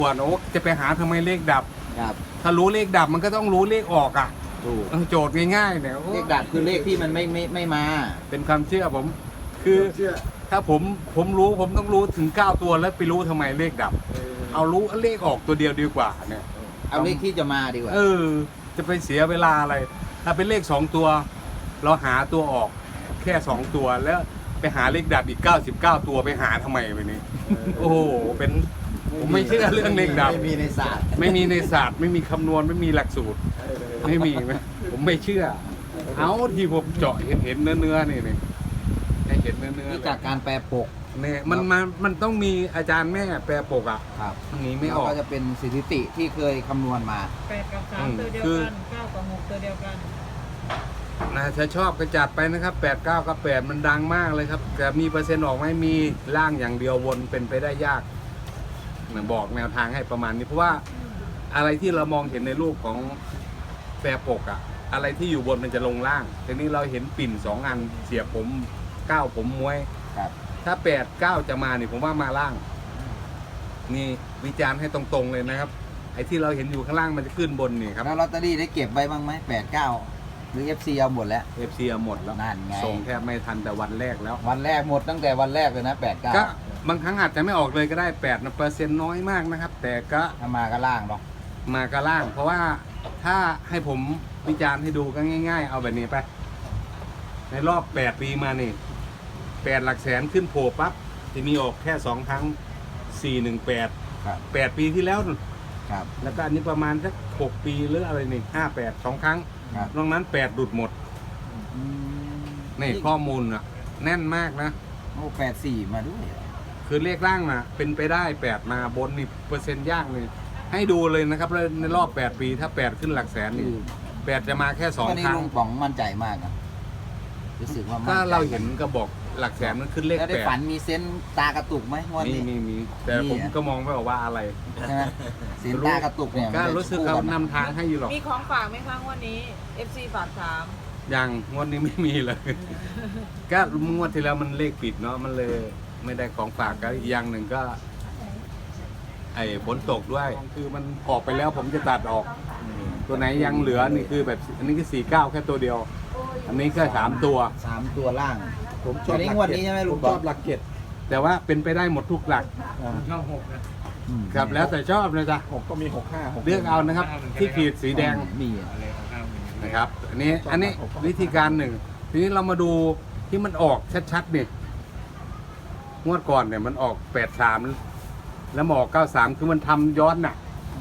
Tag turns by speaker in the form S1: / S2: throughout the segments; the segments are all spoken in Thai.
S1: ปวดโอ๊กจะไปหาทำไมเลขดับ
S2: ครับ
S1: ถ้ารู้เลขดับมันก็ต้องรู้เลขออกอ่ะ
S2: ถูก
S1: โจทย์ง่ายๆเนี่ยโอ้
S2: เลขดับคือเลขที่มันไม่มา
S1: เป็นความเชื่อผม คือถ้าผมรู้ผมต้องรู้ถึง9ตัวแล้วไปรู้ทำไมเลขดับ เอารู้เลขออกตัวเดียวดีกว่าเนี่ย
S2: เอาเลขที่จะมาดีกว่า
S1: จะไปเสียเวลาอะไร ถ้าเป็นเลข2ตัว เราหาตัวออกแค่2ตัวแล้วไปหาเลขดับอีก99ตัวไปหาทำไมไปนี่โอ้โหเป็นผมไม่เชื่อเรื่องเลขดับ
S2: ไม่มีในศาสตร์
S1: ไม่มีในศาสตร์ไม่มีคำนวณไม่มีหลักสูตร ไม่มีไหมผมไม่เชื่อ เอาที่ผมเจาะเห็นเนื้อนี่นี่ให้เห็นเนื้อ
S2: นี่จากการแปลปก
S1: เนี่ยมันต้องมีอาจารย์แม่แปลปกอ่ะ
S2: ครับ
S1: หนีไม่อ
S2: แล้ว
S1: อก
S2: ก็จะเป็นสถิติที่เคยคำนวณมา
S3: 8 กับ 3 ตัวเดียว
S1: คือ
S3: กัน 9 กับ 6 ตัวเดียวกัน
S1: นะถ้าชอบก็จัดไปนะครับ8 9กับ8มันดังมากเลยครับแต่มีเปอร์เซ็นต์ออกไหมมีล่างอย่างเดียววนเป็นไปได้ยากบอกแนวทางให้ประมาณนี้เพราะว่าอะไรที่เรามองเห็นในรูปของแปรปกอะอะไรที่อยู่บนมันจะลงล่างทีนี้เราเห็นปิ่น2อันเสียบผม9ผมม้วย
S2: ครับ
S1: ถ้า8 9จะมานี่ผมว่ามาล่าง นี่วิจารณ์ให้ตรงๆเลยนะครับ ไอ้ที่เราเห็นอยู่ข้างล่างมันจะขึ้นบนนี่ครับ
S2: แล้วลอตเตอรี่ได้เก็บไว้บ้างไหม8 9 หรือ FC เอาหมดแล้ว
S1: FC หมดแล้ว
S2: นั่นไง
S1: ส่งแทบไม่ทันแต่วันแรกแล้ว
S2: วันแรกหมดตั้งแต่วันแรกเลยนะ8
S1: ก็
S2: 9
S1: บางครั้งอาจจะไม่ออกเลยก็ได้8นะเปอร์เซ็นต์น้อยมากนะครับ แต่ก็
S2: ถ้ามาก็ล่างเนาะ
S1: มากระล่าง เพราะว่าถ้าให้ผมวิจารณ์ให้ดูก็ง่ายๆ เอาแบบนี้ไป ในรอบ8 ปีมานี่8 หลักแสนขึ้นโผล่ปั๊บจะมีออกแค่2 ครั้ง 418
S2: ครับ
S1: 8 ปีที่แล้วนู่น
S2: ครับ
S1: แล้วก็อันนี้ประมาณสัก6 ปีหรืออะไรนี่58 2 ครั้ง
S2: ครับ
S1: นอกนั้น8ดุดหมด
S2: อืม
S1: นี่ข้อมูลอะแน่นมากนะ
S2: โอ้84 มาด้วย
S1: คือเลขล่างนะเป็นไปได้8มาบนนี่เปอร์เซ็นต์ยากเลยให้ดูเลยนะครับแล้วในรอบ8 ปีถ้า8ขึ้นหลักแสนนี่8จะมาแค่
S2: วัน
S1: 2
S2: นี้
S1: ครั้ง
S2: ลุงป๋องมั่นใจมากนะรู้สึกว่ามั่นใจ
S1: ถ้าเราเห็นก็บอกหลักแสนมันขึ้นเลข
S2: แล้วได้ฝัน
S1: 8
S2: มีเซนส์ตากระตุกไหมงวด
S1: มี
S2: นี้
S1: มีแต่ผมก็มองไม่ออกว่าอะไร
S2: ใช่ไหมเซนส์ตากระตุกเนี่ย
S1: ก็
S2: มันจะ
S1: รู้สึก
S2: คู่
S1: เขา
S2: กัน
S1: นำทางให้อยู่หรอก
S3: มีของฝากไหมคะวันนี้ FC ฝากถาม
S1: ยังงวดนี้ไม่มีเลย ก็งวดที่แล้วมันเลขปิดเนาะมันเลยไม่ได้ของฝากก็อีกอย่างหนึ่งก็ ไอ้ฝนตกด้วย คือมันออกไปแล้วผมจะตัดออก ตัวไหนยังเหลือนี่คือแบบอันนี้คือ49แค่ตัวเดียว อันนี้ก็3ตัว
S2: 3 ตัวล่าง
S4: ผมช
S2: ตั
S4: อ
S2: ว
S4: บ
S2: นี้
S4: หลัก
S2: งวด
S4: เจ็ด
S2: นี้ใช่ไหม
S4: ผ
S2: ลุ
S4: ม
S2: ง
S4: ช
S2: ป๋อ
S4: อง บหลักเจ็ด
S1: แต่ว่าเป็นไปได้หมดทุกหลัก
S4: ชอบ6นะ
S2: อืม
S1: ครับแล้วแต่ชอบนะจ๊ะ
S4: 6ก็มี6 5 6
S1: เลือกเอานะครับ ที่ขีดสีแดง
S2: มี
S1: นะครับ อันนี้วิธีการหนึ่งทีนี้เรามาดูที่มันออกชัดๆเนี่ยงวดก่อนเนี่ยมันออก83แล้วมาออก93คือมันทำย้อนน่ะ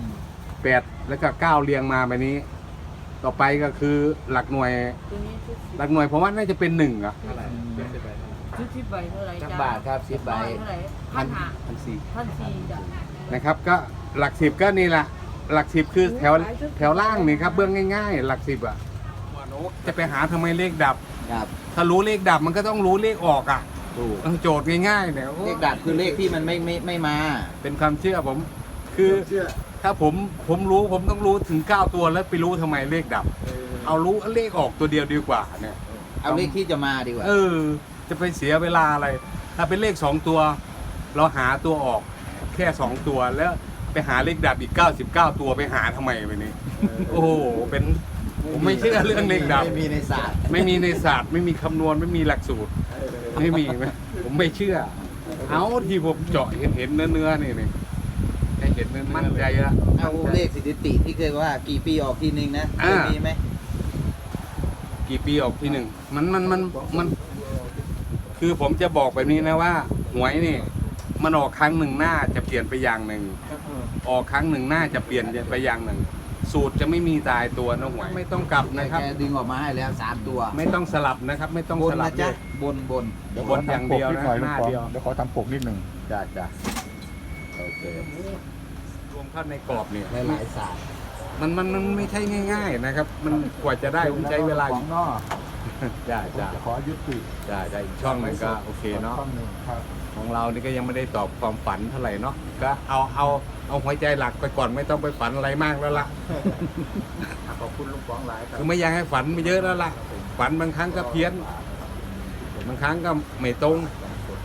S1: 8แล้วก็9เรียงมาแบบนี้ ต่อไปก็คือหลักหน่วย
S3: ตัวนี้ชุด
S1: หลักหน่วยผมว่าน่าจะเป็น1อ่ะ
S4: เท่าไหร่เจ็ดสิบแปด
S3: ชุด10 ใบเท่าไหร่
S2: จัก
S3: จ้า
S2: บาทครับ10 ใบ
S3: เท่าไหร่พันห้า
S1: 1,400
S3: จ้ะ
S1: นะครับก็หลัก10ก็นี่แหละหลัก10คือแถวล่างนี่ครับเบื้องง่ายๆ หลัก10อ่ะจะไปหาทำไมเลขดับ
S2: ครับ
S1: ถ้ารู้เลขดับมันก็ต้องรู้เลขออกอ่ะ
S2: ถูก
S1: โจทย์ง่ายๆเนี่ยโอ้
S2: เลขดับคือเลขที่มันไม่มา
S1: เป็นความเชื่อผม คือถ้าผมรู้ผมต้องรู้ถึง9ตัวแล้วไปรู้ทำไมเลขดับ เอารู้เลขออกตัวเดียวดีกว่าเนี่ย
S2: เอาเลขที่จะมาดีกว่า
S1: จะไปเสียเวลาอะไร ถ้าเป็นเลข2ตัว เราหาตัวออกแค่2ตัวแล้วไปหาเลขดับอีก99ตัวไปหาทำไมไปนี่โอ้โหเป็นผมไม่เชื่อเรื่องเลขดับ
S2: ไม่มีในศาสตร์
S1: ไม่มีในศาสตร์ไม่มีคำนวณไม่มีหลักสูตร ไม่มีไหมผมไม่เชื่อ เอาที่ผมเจาะเห็นเนื้อนี่นี่ให้เห็นเนื้อมั่นใจละ
S2: เอาเลขสถิติที่เคยว่ากี่ปีออกทีนึงนะเคยมีไหม
S1: กี่ปีออกทีหนึ่งมันคือผมจะบอกแบบนี้นะว่า หวยนี่ มันออกครั้งหนึ่งหน้าจะเปลี่ยนไปอย่างหนึ่ง ออกครั้งหนึ่งหน้าจะเปลี่ยนไปอย่างหนึ่ง สูตรจะไม่มีตายตัวนะหวยไม่ต้องกลับนะครับ
S2: แกดึงออกมาให้แล้ว3 ตัว
S1: ไม่ต้องสลับนะครับ ไม่ต้อง
S2: บ
S1: ส
S2: น
S1: ลั
S2: นะ
S1: บ
S2: จ๊ะ
S1: เลย
S2: บน
S4: เดี๋ยว
S1: บนอย่างเดียวนะ
S4: ขอทำปกนิดหน่อย
S1: หน้า
S4: ลุงป๋อง
S1: เดียว
S4: เดี๋ยวขอทำปกนิดหนึ่ง
S2: จ้ะจ้ะโอเค
S1: รวมเข้าในกรอบเนี่ย
S2: หลายๆศาสตร์
S1: มันไม่ใช่ง่าย ๆ นะครับ มันกว่าจะได้ผมใช้เวลา
S4: ของนอก
S1: จ้า
S4: ผม
S1: จ้า
S4: จะขอยุติ
S1: จ้าได้อีกช่องหนึ่งก็โอเคเนาะ
S4: ช่องหนึ่งครับ
S1: ของเรานี่ก็ยังไม่ได้ตอบความฝันเท่าไหร่เนาะก็เอาหัวใจหลักไปก่อนไม่ต้องไปฝันอะไรมากแล้วล่ะ
S4: ขอบคุณลุงป๋องหลายครับ
S1: คือไม่อยากให้ฝันไปเยอะแล้วล่ะฝันบางครั้งก็เพี้ยนบางครั้งก็ไม่ตรง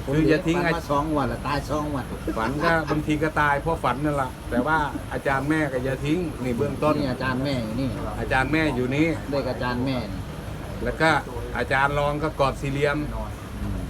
S1: คืออย่าทิ้ง
S2: ฝันมา2 วันละตาย2 วัน
S1: ฝันก็บางทีก็ตายเพราะฝันนั่นแหละแต่ว่าอาจารย์แม่ก็อย่าทิ้งนี่เบื้องต้น
S2: นี่อาจารย์แม่อยู่นี่
S1: อาจารย์แม่อยู่นี้
S2: เลขอาจารย์แม่นี่
S1: แล้วก็อาจารย์รองก็กอดสี่เหลี่ยม
S2: อืม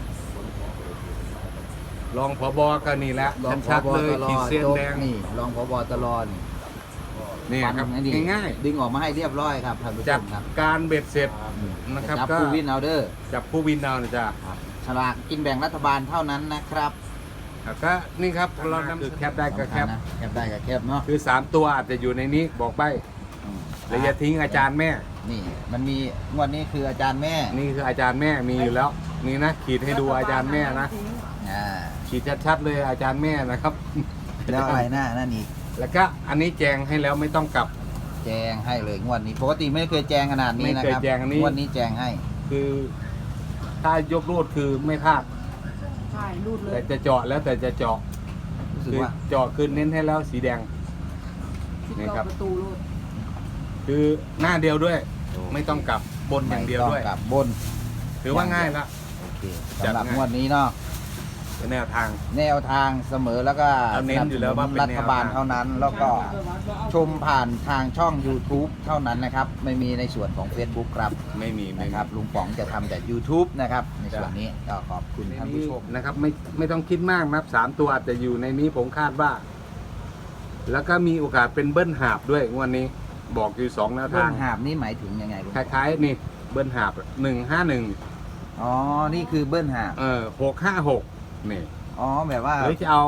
S1: รองผบก็นี่แหละ
S2: รองผ
S1: ชัด
S2: บ
S1: ๆเลย
S2: ตร
S1: ขีดเส้น
S2: โจ๊ก
S1: แดง
S2: นี่รองผบตรนี่
S1: นี่ครับ
S2: ฟันอันนี้
S1: ง่าย
S2: ดึงออกมาให้เรียบร้อยครับท่านผู้
S1: ๆ
S2: ช
S1: จาก
S2: มครับ
S1: การเบ็ดเสร็จนะครับ
S2: จับ
S1: ก็
S2: ผู้วินเอาเดอร์
S1: จับผู้วินเอานะจ๊ะ
S2: ฉลากกินแบ่งรัฐบาลเท่านั้นนะครับ
S1: แล้วก็นี่ครับเรานำคือแคปได้ก็แคป
S2: นะแคปได้ก็แคปเนาะ
S1: คือ3ตัวอาจจะอยู่ในนี้บอกใบ
S2: อืม
S1: แล้วอย่าทิ้งอาจารย์แม่
S2: นี่มันมีงวดนี้คืออาจารย์แม่
S1: นี่คืออาจารย์แม่มีอยู่แล้วนี่นะขีดให้ดูอาจารย์แม่นะ
S2: อ่า
S1: ขีดชัดๆเลยอาจารย์แม่นะครับ
S2: แล้วอะไรหน้านั่นอีก
S1: แล้วก็อันนี้แจงให้แล้วไม่ต้องกลับ
S2: แจงให้เลยงวดนี้ปกติไม่เคยแจงขนาดนี้นะ
S1: ไม่เค
S2: ค
S1: ย
S2: รับ
S1: แจงอันนี้
S2: งวดนี้แจงให้
S1: คือถ้ายกรูดคือไม่พลาด
S3: ใช่รูดเล
S1: แต่
S3: ย
S1: จะเจาะแล้วแต่จะเจาะ
S2: รู้สึก
S1: คือ
S2: ว่า
S1: เจาะคือเน้นให้แล้วสีแดง นี่ครับ
S3: ประตูรูด
S1: คือหน้าเดียวด้วย ไม่ต้องกลับบนอย่างเดียวด้วย
S2: ไม่ต้องกลับบน
S1: ถือว่าง่ายละ
S2: โอเค
S1: จัด
S2: สำหรับ
S1: ง่าย
S2: งวดนี้เนาะ
S1: เป็นแนวทาง
S2: แนวทางเสมอแล้วก็
S1: เราเน้นอยู่แล้วว่าเป็น
S2: รัฐบาล
S1: แนวทาง
S2: เท่านั้น แล้วก็ชมผ่านทางช่อง YouTube เท่านั้นนะครับ ไม่มีในส่วนของ Facebook ครับ
S1: ไม่มีไม่
S2: นะ
S1: มี
S2: ครับลุงป๋องจะทำแต่ YouTube นะครับ ในส่วนนี้ก็ขอบคุณท่านผู้ชม
S1: นะครับไม่ต้องคิดมากนะครับ3ตัวอาจจะอยู่ในนี้ผมคาดว่า แล้วก็มีโอกาสเป็นเบิ้ลหาบด้วยงวันนี้บอกอยู่2แนว
S2: เบิ้
S1: ทาง
S2: ลหาบนี่หมายถึงยังไงลุง
S1: คล้ายๆนี่เบิ้ลหาบ151
S2: อ๋อ นี่คือเบิ้ลหาบ
S1: 656นี่
S2: อ๋อ แบบว่า
S1: หรือจะเอา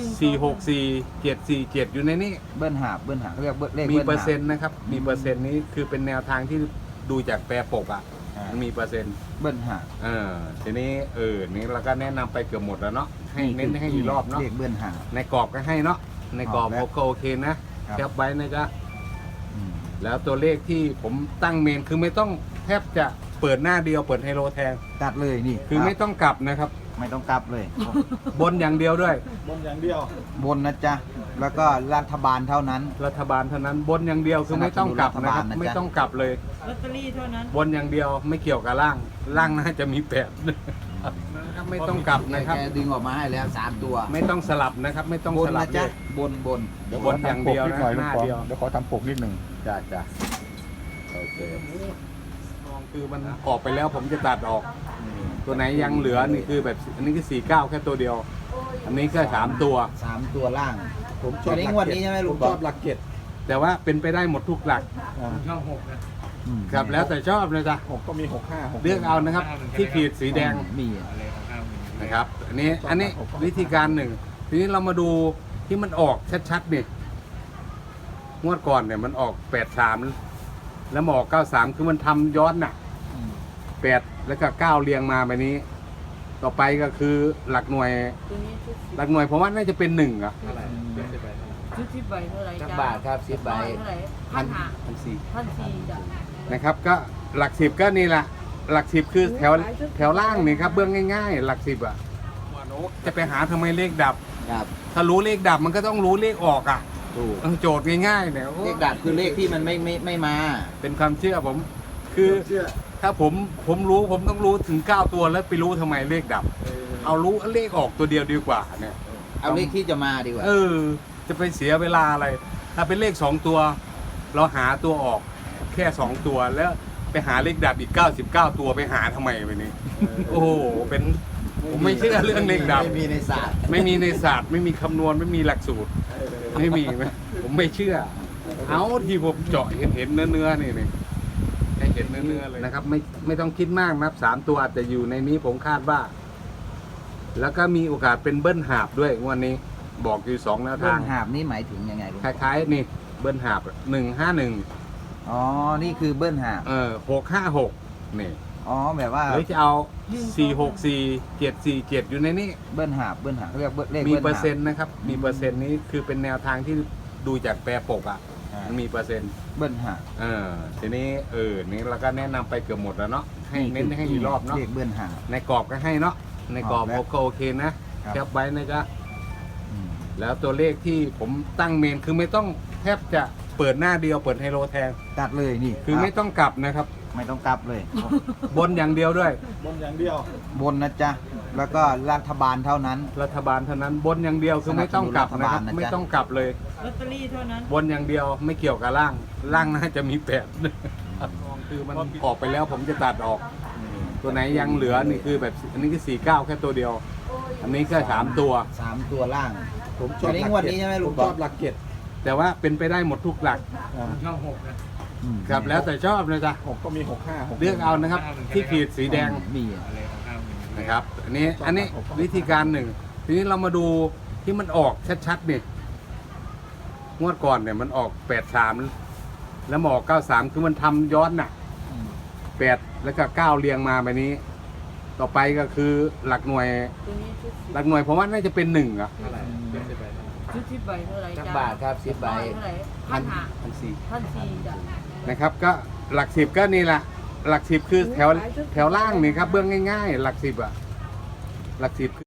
S1: 464 747อยู่ในนี้
S2: เบิ้ลหาบเขาเรียกเลข
S1: มี
S2: เบิ้ล
S1: เปอ
S2: หา
S1: ร์
S2: บ
S1: เซ็นต์นะครับมีเปอร์เซ็นต์นี้คือเป็นแนวทางที่ดูจากแปรปกอ่ะ
S2: อ่า
S1: มันมีเปอร์เซ็นต์
S2: เบิ้ลหาบ
S1: ทีนี้นี่เราก็แนะนำไปเกือบหมดแล้วเนาะให้เน้นให้อีกรอบเนาะ
S2: เลขเบิ้ลหาบ
S1: ในกรอบก็ให้เนาะในกรอบ
S2: แล้ว
S1: ก็โอเคนะแคปไว้นะจ๊ะ
S2: อืม
S1: แล้วตัวเลขที่ผมตั้งเมนคือไม่ต้องแทบจะเปิดหน้าเดียวเปิดไฮโลแทน
S2: ตัดเลยนี่
S1: คือไม่ต้องกลับนะครับ
S2: ไม่ต้องกลับเลย
S1: บนอย่างเดียวด้วย
S4: บนอย่างเดียว
S2: บนนะจ๊ะ แล้วก็รัฐบาลเท่านั้น
S1: รัฐบาลเท่านั้นบนอย่างเดียวคือไม่ต้องกลับนะครับ
S2: สนับสนุนรัฐบาลนะจ๊ะ
S1: ไม่ต้องกลับเลย
S3: ลอตเตอรี่เท่านั้น
S1: บนอย่างเดียวไม่เกี่ยวกับล่างน่าจะมีแปดนะครับไม่ต้องกลับนะครับ
S2: แกดึงออกมาให้แล้ว3ตัว
S1: ไม่ต้องสลับนะครับ ไม่ต้อง
S2: บ
S1: ส
S2: น
S1: ลั
S2: นะ
S1: บ
S2: จ๊ะ
S1: เลย
S2: บน
S4: เดี๋ยว
S1: บนอย่างเดียวนะ
S4: ขอทำปกนิดหน่อย
S1: หน้า
S4: ลุงป๋อง
S1: เดียว
S4: เดี๋ยวขอทำปกนิดหนึ่ง
S1: จ้าจ้าโอเคมองคือมันออกไปแล้วผมจะตัดออก ตัวไหนยังเหลือนี่คือแบบอันนี้คือ49แค่ตัวเดียว อันนี้ก็3ตัว
S2: 3ตัวล่าง
S4: ผมช
S2: ตั
S4: อ
S2: ว
S4: บ
S2: นี้
S4: หลัก
S2: งวด
S4: เจ็ด
S2: นี้ใช่ไหม
S4: ผ
S2: ลุ
S4: ม
S2: ง
S4: ช
S2: บอ
S4: อก บหลักเจ็ด
S1: แต่ว่าเป็นไปได้หมดทุกหลัก
S3: ช่อง6นะ
S2: อืม
S1: ครับแล้วแต่ชอบเลยจ้ะ
S4: ผมก็มี65
S1: เลือกเอานะครับ ที่ขีดสีแดง
S2: มี
S1: นะครับ อันนี้วิธีการหนึ่งทีนี้เรามาดูที่มันออกชัดๆนี่งวดก่อนเนี่ยมันออก83แล้วมาออก93คือมันทำย้อนน่ะ
S2: อืม
S1: 8แล้วก็9เรียงมาแบบนี้ ต่อไปก็คือหลักหน่วย
S3: ตัวนี้ชุด10
S1: หลักหน่วยผมว่าน่าจะเป็น1อ่ะ
S3: ชุด10ใบเท่าไหร่
S2: จัก
S3: จ้า
S2: บาทครับ10ใบ
S3: เท่าไหร่1,400จ้ะ
S1: นะครับก็หลัก10ก็นี่แหละหลัก10คือแถวล่างนี่ครับเบื้องง่ายๆ หลัก10อ่ะจะไปหาทำไมเลขดับ
S2: ครับ
S1: ถ้ารู้เลขดับมันก็ต้องรู้เลขออกอ่ะ
S2: ถูก
S1: โจทย์ง่ายๆเนี่ยโอ้
S2: เลขดับคือเลขที่มันไม่มา
S1: เป็นความเชื่อผม คือ
S4: เชื่อ
S1: ถ้าผมรู้ผมต้องรู้ถึง9ตัวแล้วไปรู้ทำไมเลขดับ เอารู้เลขออกตัวเดียวดีกว่าเนี่ย
S2: เอาเลขที่จะมาดีกว่า
S1: จะไปเสียเวลาอะไร ถ้าเป็นเลข2ตัว เราหาตัวออกแค่2ตัวแล้วไปหาเลขดับอีก99ตัวไปหาทำไมไปนี่โอ้โหเป็นผมไม่เชื่อเรื่องเลขดับ
S2: ไม่มีในศาสตร์
S1: ไม่มีในศาสตร์ไม่มีคำนวณไม่มีหลักสูตร ไม่มีไหมผมไม่เชื่อ เอาที่ผมเจาะเห็นเนื้อนี่ให้เห็นเนื้อเลยนะครับ ไม่ต้องคิดมากนะครับ3ตัวอาจจะอยู่ในนี้ผมคาดว่า แล้วก็มีโอกาสเป็นเบิ้ลหาบด้วยงวันนี้บอกอยู่2แนว
S2: เบิ้
S1: ทาง
S2: ลหาบนี่หมายถึงยังไงลุง
S1: คล้ายๆนี่เบิ้ลหาบ151
S2: อ๋อ นี่คือเบิ้ลหาบ
S1: 656นี่
S2: อ๋อ แบบว่า
S1: หรือจะเอา464 747อยู่ในนี้
S2: เบิ้ลหาบเขาเรียกเลข
S1: มี
S2: เบิ้ล
S1: เปอ
S2: หา
S1: ร์
S2: บ
S1: เซ็นต์นะครับ มีเปอร์เซ็นต์นี้คือเป็นแนวทางที่ดูจากแปรปกอ่ะ
S2: อ่า
S1: มันมีเปอร์เซ็นต์
S2: เบิ้ลหาบ
S1: ทีนี้นี่เราก็แนะนำไปเกือบหมดแล้วเนาะให้เน้นให้อีกรอบเนาะ
S2: เลขเบิ้ลหาบ
S1: ในกรอบก็ให้เนาะในกรอบ
S2: แล้ว
S1: ก็โอเคนะครับ แคปไว้นะจ๊ะ
S2: อืม
S1: แล้วตัวเลขที่ผมตั้งเมนคือไม่ต้องแทบจะเปิดหน้าเดียวเปิดไฮโลแทน
S2: ตัดเลยนี่
S1: คือไม่ต้องกลับนะครับ
S2: ไม่ต้องกลับเลย
S1: บนอย่างเดียวด้วย
S4: บนอย่างเดียว
S2: บนนะจ๊ะแล้วก็รัฐบาลเท่านั้น
S1: รัฐบาลเท่านั้นบนอย่างเดียวคือไม่ต้องกลับนะครับ
S2: สนับสนุนรัฐบาลนะจ๊ะ
S1: ไม่ต้องกลับเลย
S3: ลอตเตอรี่เท่านั้น
S1: บนอย่างเดียวไม่เกี่ยวกับล่างล่างน่าจะมีแปดคือมันออกไปแล้วผมจะตัดออก ตัวไหนยังเหลือนี่คือแบบอันนี้คือ49แค่ตัวเดียว อันนี้แค่3ตัว
S2: 3 ตัวล่าง
S4: ผมชอบ
S2: อันนี้งวดนี้ใช่ไหมลุง
S4: ผมชอบหลักเจ็ด
S1: แต่ว่าเป็นไปได้หมดทุกหลัก
S3: ช่องหกนะ
S1: ครับแล้วแต่ชอบนะจ๊ะ
S4: ผมก็มี65
S1: เลือกเอานะครับ ที่ขีดสีแดง
S2: มี
S3: อะไรของข้าวมัน
S1: นะครับ อันนี้วิธีการหนึ่งทีนี้เรามาดูที่มันออกชัดๆนี่งวดก่อนเนี่ยมันออก83แล้วมาออก93คือมันทำย้อนน่ะ8แล้วก็9เรียงมาแบบนี้ ต่อไปก็คือหลักหน่วย
S3: ตัวนี้ชุด10
S1: หลักหน่วยผมว่าน่าจะเป็น1อ่ะ
S3: เท่าไหร่ชุด10ใบเท่าไหร่
S2: จัก
S3: จ้า
S2: บาทครับ10 ใบ
S3: เท่าไหร่พันห้า
S1: 1,400
S3: 1,400จ้ะ
S1: นะครับก็หลัก10ก็นี่แหละหลัก10คือแถวล่างนี่ครับเบื้องง่ายๆ หลัก10อ่ะหลัก10